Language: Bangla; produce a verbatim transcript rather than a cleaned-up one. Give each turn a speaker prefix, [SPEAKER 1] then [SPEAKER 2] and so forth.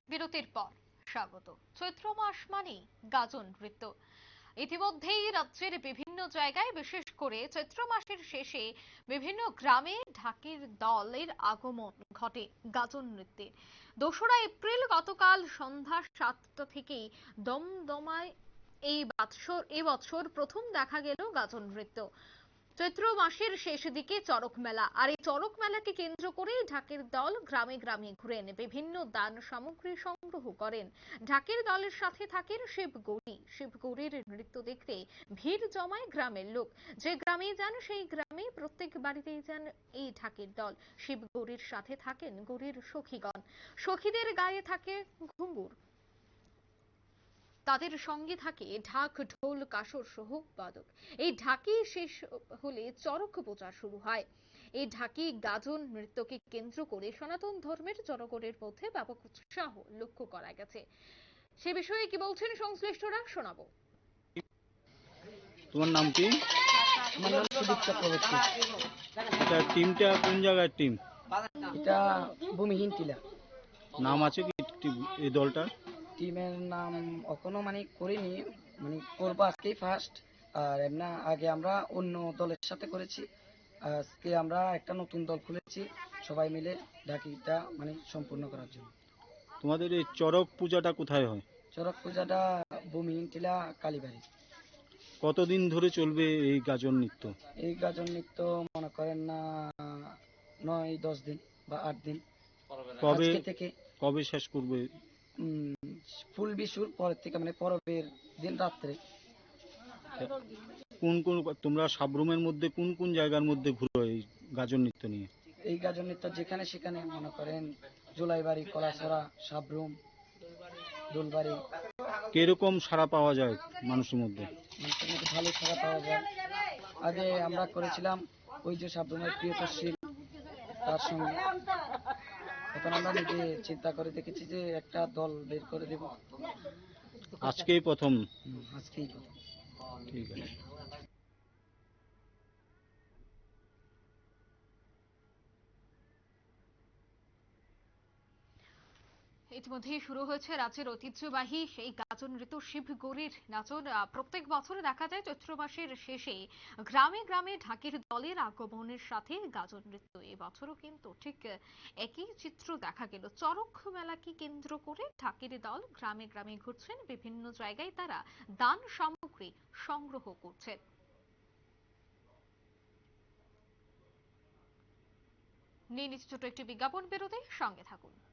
[SPEAKER 1] বিরতির পর স্বাগত। চৈত্র মাস মানেই গাজন নৃত্য। ইতিমধ্যেই রাজ্যের বিভিন্ন জায়গায়, বিশেষ করে চৈত্র মাসের শেষে বিভিন্ন গ্রামে ঢাকির দলের আগমন ঘটে গাজন নৃত্যের। দোসরা এপ্রিল গতকাল সন্ধ্যা সাতটা থেকেই দমদমায় এই বছর এবছর প্রথম দেখা গেল গাজন নৃত্য। চৈত্র মাসের শেষ দিকে চড়ক মেলা, আর এই চড়ক মেলাকে কেন্দ্র করে ঢাকের দল গ্রামে গ্রামে ঘুরেন, বিভিন্ন দান সামগ্রী সংগ্রহ করেন। ঢাকের দলের সাথে থাকেন শিবগৌরী। শিবগৌরীর নৃত্য দেখতে ভিড় জমায় গ্রামের লোক। যে গ্রামে যান সেই গ্রামে প্রত্যেক বাড়িতেই যান এই ঢাকের দল। শিবগৌরীর সাথে থাকেন গৌরীর সখীগণ। সখীদের গায়ে থাকে ঘুঙুর, তাদের সঙ্গে থাকে ঢাক, ঢোল, কাসর সহ বাদক। এই ঢাকি শেষ হলে চড়ক পূজা শুরু হয়। এই ঢাকি গাজন নৃত্যকে কেন্দ্র করে সনাতন ধর্মের জনগণের মধ্যে ব্যাপক উৎসাহ লক্ষ্য করা গেছে। সে বিষয়ে কি বলছেন সংশ্লিষ্টরা, শোনাবো।
[SPEAKER 2] তোমার নাম কি?
[SPEAKER 3] আমার নাম সুদীপ চক্রবর্তী।
[SPEAKER 2] এটা টিমটা কোন জায়গার টিম?
[SPEAKER 3] এটা ভূমিহীন টিলা।
[SPEAKER 2] নাম আছে কি টি- এই দলটার?
[SPEAKER 3] টিমের নাম এখনো মানে করিনি, মানে করবো আজকেই ফার্স্ট। আর এমনা আগে আমরা অন্য দলের সাথে করেছি, আজকে আমরা একটা নতুন দল খুলেছি সবাই মিলে ঢাকিটা মানে সম্পূর্ণ করার জন্য।
[SPEAKER 2] তোমাদের এই চড়ক পূজাটা কোথায় হয়?
[SPEAKER 3] চড়ক পূজাটা ভূমিহীন টিলা কালীবাড়ি।
[SPEAKER 2] কতদিন ধরে চলবে এই গাজন নৃত্য?
[SPEAKER 3] এই গাজন নৃত্য মনে করেন না নয় দশ দিন বা আট দিন।
[SPEAKER 2] কবে
[SPEAKER 3] আজকে থেকে
[SPEAKER 2] কবে শেষ করবে?
[SPEAKER 3] উম, ফুল বিশুর পরের থেকে মানে পরবের দিন রাত্রে।
[SPEAKER 2] কোন কোন তোমরা সাবরুমের মধ্যে কোন কোন জায়গার মধ্যে ঘুরো এই গাজন নৃত্য নিয়ে?
[SPEAKER 3] এই গাজন নৃত্য যেখানে সেখানে মনে করেন জুলাইবাড়ি, কলাছড়া, সাবরুম, দোলবাড়ি।
[SPEAKER 2] কিরকম সাড়া পাওয়া যায় মানুষের মধ্যে?
[SPEAKER 3] মানুষের মধ্যে ভালো সাড়া পাওয়া যায়। আগে আমরা করেছিলাম ওই যে সাবরুমের প্রিয়তশীল, তার সঙ্গে। এখন আমরা নিজে চিন্তা করে দেখেছি যে একটা দল বের করে দেব।
[SPEAKER 2] আজকেই প্রথম?
[SPEAKER 3] হুম, আজকেই প্রথম।
[SPEAKER 2] ঠিক আছে।
[SPEAKER 1] ইতিমধ্যেই শুরু হয়েছে রাজ্যের ঐতিহ্যবাহী সেই গাজন নৃত্য শিবগৌরীর নাচন। আহ, প্রত্যেক বছর দেখা যায় চৈত্র মাসের শেষে গ্রামে গ্রামে ঢাকের দলের আগমনের সাথে গাজন নৃত্য। এবছরও কিন্তু ঠিক আহ, একই চিত্র দেখা গেল। চড়ক মেলাকে কেন্দ্র করে ঢাকের দল গ্রামে গ্রামে ঘুরছেন, বিভিন্ন জায়গায় তারা দান সামগ্রী সংগ্রহ করছেন। নিয়ে নিচ্ছে ছোট একটি বিজ্ঞাপন বিরতি, সঙ্গে থাকুন।